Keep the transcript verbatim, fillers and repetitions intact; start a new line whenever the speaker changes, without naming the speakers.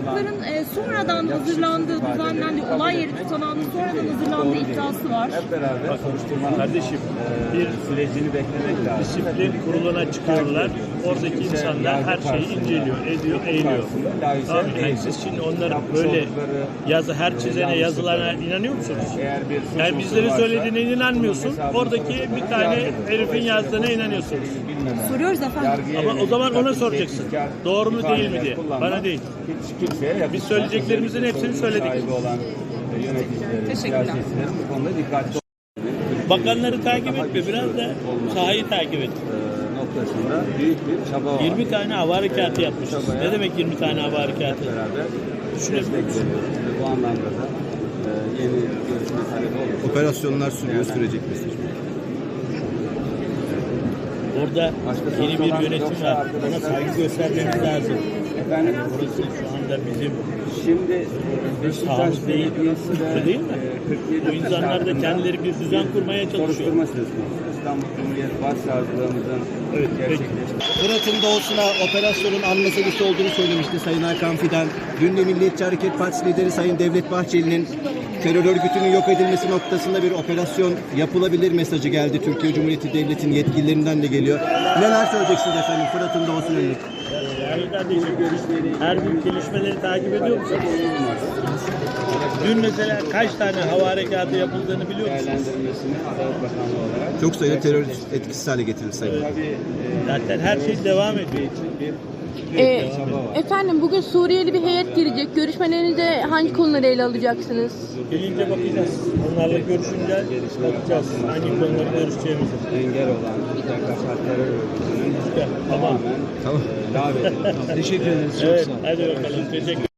tutanakların e, sonradan hazırlandığı, düzenlendiği, olay yeri tutanağının sonradan hazırlandığı iddiası var.
Hep beraber soruşturmanın
Kardeşim, bir
sürecini beklemek lazım.
disiplin kuruluna çıkıyorlar. Oradaki insanlar her şeyi inceliyor, ediyor, eğiliyor. Tamam, yani siz şimdi onları böyle yazı, her çizene, yazılarına inanıyor musunuz? Yani bizlerin söylediğine inanmıyorsun. Oradaki bir tane herifin yazdığına inanıyorsunuz.
Soruyoruz efendim.
Ama o zaman ona soracaksın. Doğru mu değil mi diye. Bana değil. Biz söyleyeceklerimizin hepsini söyledik.
Teşekkürler.
Bu konuda dikkatli
Bakanları takip etme, biraz da sahayı takip et.
noktasında büyük bir çaba var.
yirmi tane hava harekatı yapmışız. Ne demek yirmi tane hava harekatı?
Beraber
Düşünebiliyoruz.
bu anlamda da e, yeni görüşme talebi olur.
Operasyonlar sürüyor, sürecek mesaj.
Orada yeni bir yönetim var. Ona saygı göstermemiz lazım.
Efendim,
Burası şu anda bizim
şimdi Beşiktaş
sahamız değil.
Belediyesi de
Öyle değil mi?
e, kırk yedi
Bu insanlar da kendileri bir düzen kurmaya çalışıyor.
soruşturma söz konusu. İstanbul Cumhuriyet Başsavcılığımızın
Evet, peki.
gerçekleştirdiği
Fırat'ın doğusuna operasyonun an meselesi olduğunu söylemişti Sayın Hakan Fidan. Dün de Milliyetçi Hareket Partisi lideri Sayın Devlet Bahçeli'nin terör örgütünün yok edilmesi noktasında bir operasyon yapılabilir mesajı geldi. Türkiye Cumhuriyeti Devleti'nin yetkililerinden de geliyor. Neler söyleyeceksiniz efendim Fırat'ın doğusuna yönelik?
Yani kardeşim, her gün gelişmeleri takip ediyor musunuz? Dün mesela kaç tane hava harekatı yapıldığını biliyor musunuz?
değerlendirmesini Adalet Bakanlığı olarak
Çok sayıda terör etkisiz hale getirildi Sayın.
tabii e,
Zaten her şey devam ediyor.
bir
Ee, efendim bugün Suriyeli bir heyet girecek. Görüşmelerinizde hangi konuları ele alacaksınız?
Gelince bakacağız. Onlarla görüşünce bakacağız hangi konuları görüşeceğimizi.
engel olan P K K terör örgütünün
Tamam.
tamamen
Tamam.
e, lağvedilmesi.
Teşekkür ederiz.
Evet, hadi bakalım. Teşekkür